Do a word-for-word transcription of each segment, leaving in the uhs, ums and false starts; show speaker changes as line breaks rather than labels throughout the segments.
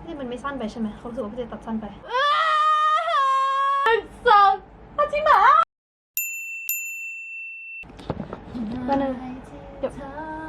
ที่มันไม่สั้นไปใช่ไหมเขารู้สึกว่าพี่เจตัดสั้นไปสองอาชิมะก็นึงเดี๋ยว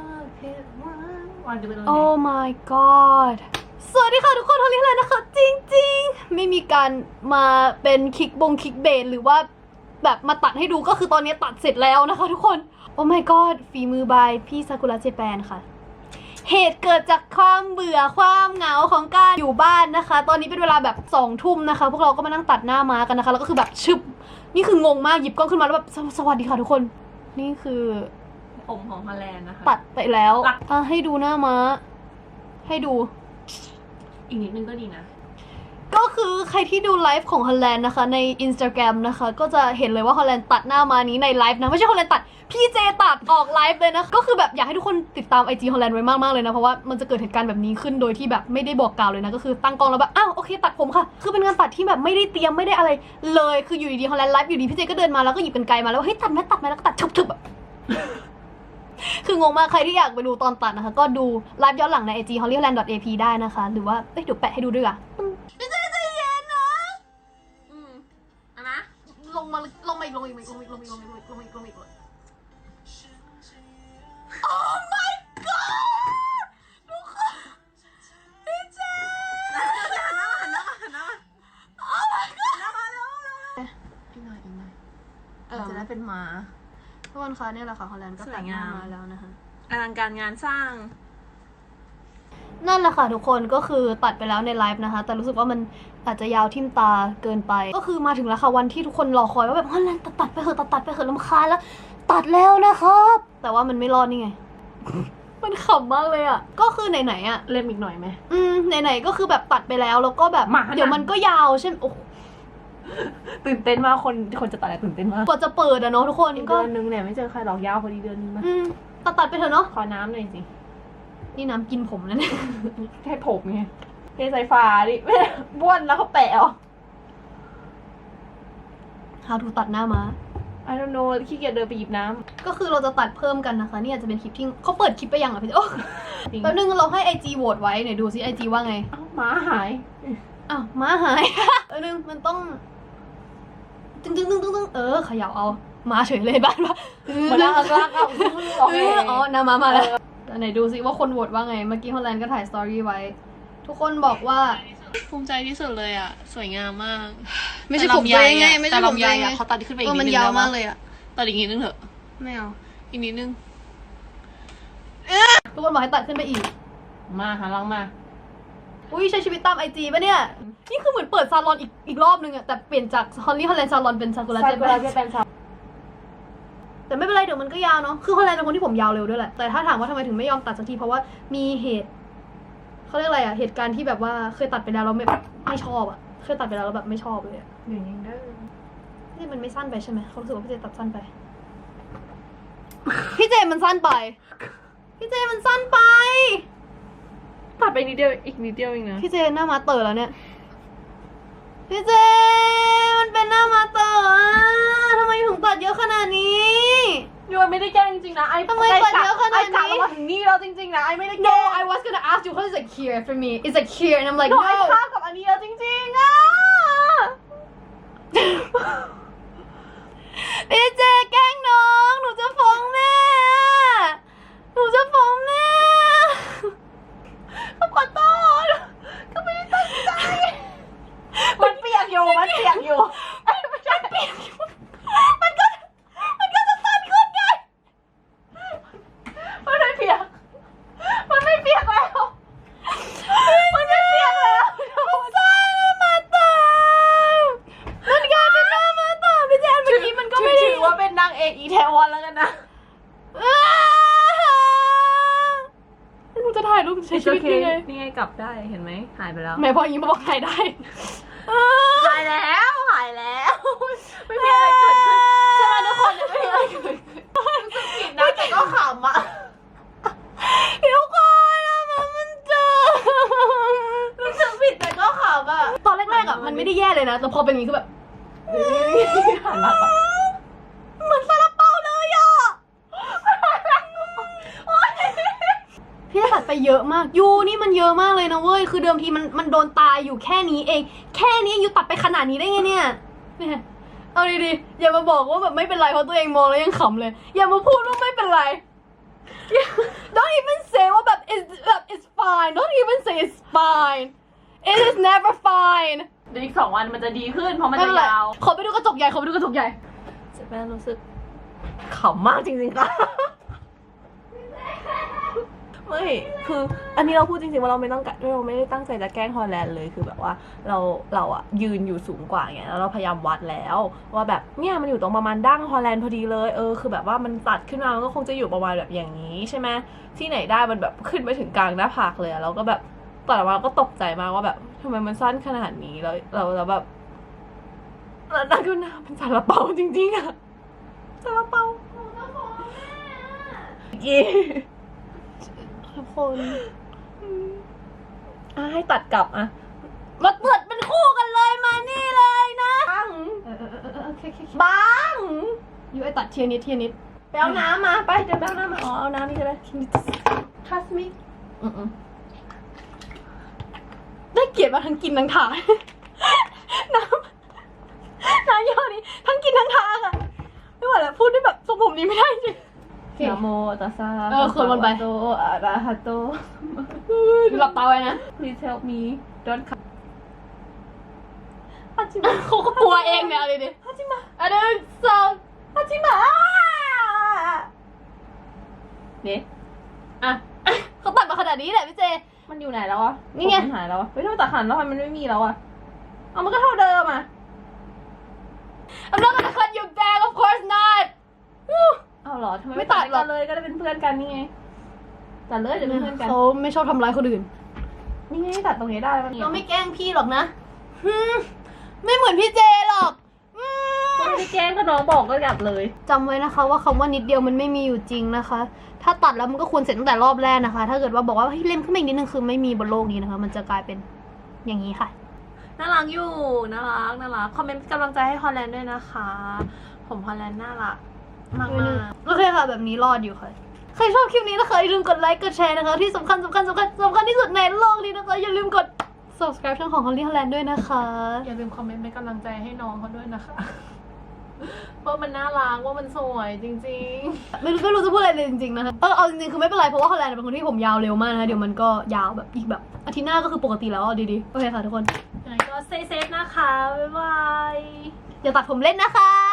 Oh my god สวัสดีค่ะทุกคนทอลลี่เลยนะคะจริงๆไม่มีการมาเป็นคลิกบงคลิกเบนหรือว่าแบบมาตัดให้ดูก็คือตอนนี้ตัดเสร็จแล้วนะคะทุกคน Oh my god ฝีมือบายพี่ซากุระเจแปนค่ะเหตุเกิดจากความเบื่อความเหงาของการอยู่บ้านนะคะตอนนี้เป็นเวลาแบบสองทุ่มนะคะพวกเราก็มานั่งตัดหน้าม้ากันนะคะแล้วก็คือแบบชึบนี่คืองงมากหยิบกล้องขึ้นมาแล้วแบบสวัสดีค่ะทุกคนนี่คือ
ผมของฮอลแลนด์นะคะ
ตัดไปแล้วอ่ะให้ดูหน้าม้าให้ดู
อีกนิดนึงก็ดีนะ
ก็คือใครที่ดูไลฟ์ของฮอลแลนด์นะคะใน Instagram นะคะก็จะเห็นเลยว่าฮอลแลนด์ตัดหน้ามานี้ในไลฟ์นะไม่ใช่ฮอลแลนด์ตัดพี่เจตัดออกไลฟ์เลยนะก็คือแบบอยากให้ทุกคนติดตาม ไอ จี ฮอลแลนด์ไว้มากๆเลยนะเพราะว่ามันจะเกิดเหตุการณ์แบบนี้ขึ้นโดยที่แบบไม่ได้บอกกล่าวเลยนะก็คือตั้งกล้องแล้วแบบอ้าวโอเคตัดผมค่ะคือเป็นงานตัดที่แบบไม่ได้เตรียมไม่ได้อะไรเลยคืออยู่ดีๆฮอลแลนด์ไลฟ์อยู่ดีพี่เจก็เดินมาแล้วก็หยิบกรรไกรมาแล้วเฮ้ยตัดไหมตัดไหมแล้วก็ตัดทึบๆแบบคืองงมากใครที่อยากไปดูตอนตัดนะคะก็ดูไลฟ์ย้อนหลังใน ไอ จี hollyland dot a p ได้นะคะหรือว่าเอ้ยเดี๋ยวแปะให้ดูด้วยอ่ะพี่เจใจเย็นนะ
อืมอ่ะนะ
ลงมาลงมาอีกลงอีกลงอีกลงอีกลงอีกลงอีกลงอีกลงอีก Oh my god ทุกคนพี่เจ
หันหน้าหันหน้าหันหน้า
Oh my god
แล้วมาแล้วแล้วอีกหน่อยอีกหน่อยจะได้เป็นม้า
ทุกคนคะเนี่ยแหละค่ะฮอลแลนด์ก็แต่งหน้ามาแล้วนะคะ
อลังการงานสร้าง
นั่นแหละค่ะทุกคนก็คือตัดไปแล้วในไลฟ์นะคะแต่รู้สึกว่ามันอาจจะยาวทิ่มตาเกินไปก็คือมาถึงแล้วค่ะวันที่ทุกคนรอคอยว่าแบบฮอลแลนด์ตัดตัดไปเถอะตัดตัดไปเถอะรำคาญแล้วตัดแล้วนะครับแต่ว่ามันไม่รอดนี่ไง มันขำมากเลยอ่ะก็คือไหนๆอ่ะ
เล่มอีกหน่อยไหม
อืมไหนๆก็คือแบบตัดไปแล้วแล้วก็แบบเดี๋ยวมันก็ยาวใช่ไหมโอ้
ตื่นเต้นมากคนคนจะตัดอะไรตื่นเต้นมาก
กว่าจะเปิดอะเนาะทุกคน
ก็เดือนนึงเนี่ยไม่เจอใครหรอกยาวพอดีเดือนนึงนะ
อืมตัดตัดไปเถอะเนาะ
ขอน้ำหน่อยสิ
นี่น้ำกินผมนะเนี่ย
แค่ผมไงเทใส่ฟ้าดิบ้วนแล้วเขาแปะเอา
How to ตัดหน้าม้า
I don't know ขี้เกียจเดินไปหยิบน้
ำก็คือเราจะตัดเพิ่มกันนะคะนี่อาจจะเป็นคลิปที่เขาเปิดคลิปไปยังอ่ะพี่โอ้แป๊บนึงเราให้ ไอ จี โหวตไว้ไหนดูซิ ไอ จี ว่าไง
อ้าวม้าหาย
อ้าวม้าหายแป๊บนึงมันต้องตึ้งตึ้งตึ้งตึ้งตึ้งเออเขย่าเอาม้าเฉยเลยบ้านปะ
มาแล้วก็เอา
อ๋อน้ำม้ามาแล้วไหนดูซิว่าคนโหวตว่าไงเมื่อกี้ฮอลแลนด์ก็ถ่ายสตอรี่ไว้ทุกคนบอกว่า
ภูมิใจที่สุดเลยอ่ะสวยงามมาก
ไม่ใช่ผมตัวเองไงไม่ใช่ผมตัวเอง
เขาตัดขึ้นไปอีกนิดนึง
มันยาวมากเลยอ่ะ
ตัดอีกนิดนึงเถอะ
ไม่เอา
อีกนิดนึง
ทุกคนบอกให้ตัดขึ้นไปอีก
มาหาลังมา
อุ้ยใช้ชีวิตตามไอจีป่ะเนี่ยนี่คือเหมือนเปิดซาลอนอีกอีกรอบนึงอะแต่เปลี่ยนจากฮอลลี่ฮอลแลนด์ซาลอนเป็นซากุระเจแปนแต่ไม่เป็นไรเดี๋ยวมันก็ยาวเนาะคือฮอลแลนด์เป็นคนที่ผมยาวเร็วด้วยแหละแต่ถ้าถามว่าทำไมถึงไม่ยอมตัดสักทีเพราะว่ามีเหตุเขาเรียกอะไรอะเหตุการณ์ที่แบบว่าเคยตัดไปแล้วเราไม่ไม่ชอบอะเคยตัดไปแล้วเราแบบไม่ชอบเลย
อย่างนี้ได้
นี่มันไม่สั้นไปใช่ไหมเขารู้สึกว่าพี่เจตัดสั้นไปพี่เจมันสั้นไปพี่เจมันสั้นไป
ตัดไปนิดเดียวอีกนิดเดียวเองนะ
พี่เจหน้ามาเต๋อแล้วเนี่ยพี่เจมันเป็นหน้ามาเต๋อทำไมถึงตัดเยอะขนาดนี้
ยูไม่ได้แกล้งจริงๆนะไอ้
ทำไมตัดเยอะขนาดนี้
ไอ้จับมาถึงนี่แล้วจริงๆนะไอ้ไม่ได้แกล้
No I was gonna ask you because it's like here for me it's like here and I'm like no
ไอ้ข้าวกับอันนี้แล้วจริงๆอ่ะ
พี่เจแกล้งน้องหนูจะฟ้องแม่หนูจะฟ้องแม่
ขอโทษก็ไม่ได้ตั้งใจมันเปียกอยู่มันเปียกอยู่
มันเปียกอยู่มันก็มันก็จะตัดขึ้นไง
มันไม่เปียกมันไม่เปียกแล้วมันไม่เปียกแล้ว
มันใช่มาตามันกลายเป็นหน้ามาตาพี่แจนเมื่อกี้มันก็ไม่ได้
ถือว่าเป็นนางเอกอีแทวอนแล้วกันนะ
หนูจะถ่ายรูปใช้ชีวิตยังไง
นี่ไงกลับได้เห็นไหมหายไปแล้ว
แม่พออย่างนี้มาบอกถ่ายได้
หายแล้วหายแล้วไม่มีอะไรเกิดขึ้นใช่ไหมทุกคนไม่มีอะไรเกิดขึ้นรู้สึกผิดนะแต่ก็ขำอ่ะ
เดี๋ยวก่อนนะมันเจอ
รู้สึกผิดแต่ก็ขำอ่ะ
ตอนแรกๆอ่ะมันไม่ได้แย่เลยนะแต่พอเป็นอย่างนี้คือแบบ
หันหลัง
เหมือนซาลาเปาเลยอ่ะพี่ตัดไปไปเยอะมากยูนี่มันเยอะมากเลยนะเว้ยคือเดิมทีมันมันโดนตายอยู่แค่นี้เอง แค่นี้ยูตัดไปขนาดนี้ได้ไงเนี่ยเนี่ยเอาดีๆอย่ามาบอกว่าแบบไม่เป็นไรเพราะตัวเองมองแล้วยังขำเลยอย่ามาพูดว่าไม่เป็นไร Don't even say ว่าแบบ it's แบบ it's fine Don't even say it's fine It is never fine
เดี๋ยวอีกสองวันมันจะดีขึ้นเพราะมัน
ไม่
จะ
เป็นไร
ยาว
ขอไปดูกระจกใหญ่ขอไปดูกระจกใหญ่
เจ๊แป้งรู้สึกขำมากจริงๆค่ะ ไม่คืออันนี้เราพูดจริงๆว่าเราไม่ต้องเราไม่ได้ตั้งใจจะแกล้งฮอลแลนด์เลยคือแบบว่าเราเราอะยืนอยู่สูงกว่าไงแล้วเราพยายามวัดแล้วว่าแบบเนี่ยมันอยู่ตรงประมาณดั้งฮอลแลนด์พอดีเลยเออคือแบบว่ามันตัดขึ้นมามันก็คงจะอยู่ประมาณแบบอย่างนี้ใช่ไหมที่ไหนได้มันแบบขึ้นไปถึงกลางหน้าผากเลยอะเราก็แบบตอนนั้นเราก็ตกใจมากว่าแบบทำไมมันสั้นขนาดนี้แล้วเราเราแบบแล้วนั่นก็หน้าเป็นซาลาเปาจริงๆอะซาลาเปาเย่
ทุกคน
อ่ะให้ตัดกลับอ่ะ
มาเปิดเป็นคู่กันเลยมานี่เลยนะ
บัง
เออเออเออเออโอเคโอเค
บัง
ยูไอตัดเทียนิดเทียนิด
ไปเอาน้ำมาไปเดี๋ยวไปเอาน้ำมาอ๋อเอาน้ำนี่ก็ได้
trust me
อืม
ได้เกลียดมาทั้งกินทั้งทาน น้ำน้ำยี่ห้อนี้ทั้งกินทั้งทานอะไม่ไหวแล้วพูดได้แบบทรงผมนี้ไม่ได้จริง
นะโมตัสสะ
เออควรมันไป
โตอะระหะโต
ดูหลับตาไว้นะ
please help me don't come
ฮัจิมะเขาก็กลัวเองเนี่ยเอาดิดิฮัจิมะอันหนึ่งสองฮัจิมะ
เนี่ย
อ่ะเขาตัดมาขนาดนี้แหละพี่เจ
มันอยู่ไหนแล้วอ่ะ
นี่ไง
ผมหายแล้วอ่ะเฮ้ยถ้ามันตัดหันแล้วทำไมมันไม่มีแล้วอ่ะเอามันก็เท่าเดิมอ่ะ
I'm not gonna cut you back of course not
เอาเหรอทำไม
ไม่
ไม่
ตั
ตั
ด
ด
หรอก
กันเลยก็ได้เป็นเพื่อนกันนี่ไงตัดเลยเดี๋ยวเป็นเพื่อนกัน
เขาไม่ชอบทำร้ายคนอื่น
นี่ไงตัดตรงนี้ได้แล้วมัน
เราไม่แกล้งพี่หรอกนะฮึมไม่เหมือนพี่เจหรอกอืม
ไม่ได้แกล้งก็น้องบอกก็กลับเลย
จำไว้นะคะว่าคำว่านิดเดียวมันไม่มีอยู่จริงนะคะ ถ้าตัดแล้วมันก็ควรเสร็จตั้งแต่รอบแรกนะคะ ถ้าเกิดว่าบอกว่าเฮ้ยเล่นขึ้นมาอีกนิดนึงคือไม่มีบนโลกนี้นะคะ มันจะกลายเป็นอย่างนี้ค่ะ
น่ารักอยู่น่ารักน่ารักคอมเมนต์กำลังใจให้ฮอลแลนด์ด้วยนะคะ ผมฮอลแลนด์น่ารักมากมาก
โอเคค่ะแบบนี้รอดอยู่ค่ะ ใครชอบคลิปนี้นะคะอย่าลืมกดไลค์กดแชร์นะคะ ที่สำคัญสำคัญสำคัญสำคัญที่สุดในโลกนี้นะคะอย่าลืมกด subscribe ช่องของ Holly Holland ด้วยนะคะ
อย่าลืมคอมเมนต์เป็นกำลังใจให้น้องเขาด้วยนะคะ ว่ามันน่ารักว่ามันสวยจริง
ไม่รู้ไม่รู้จะพูดอะไรเลยจริงๆนะคะเออเอาจริงๆคือไม่เป็นไรเพราะว่าฮอลแลนด์เป็นคนที่ผมยาวเร็วมากนะคะเดี๋ยวมันก็ยาวแบบอีกแบบอาทิตย์หน้าก็คือปกติแล้วอ่ะดีๆโอเคค่ะทุกคน
ๆยังไงก็เซฟๆนะคะบ๊ายบาย
อย่าตัดผมเล่นนะคะ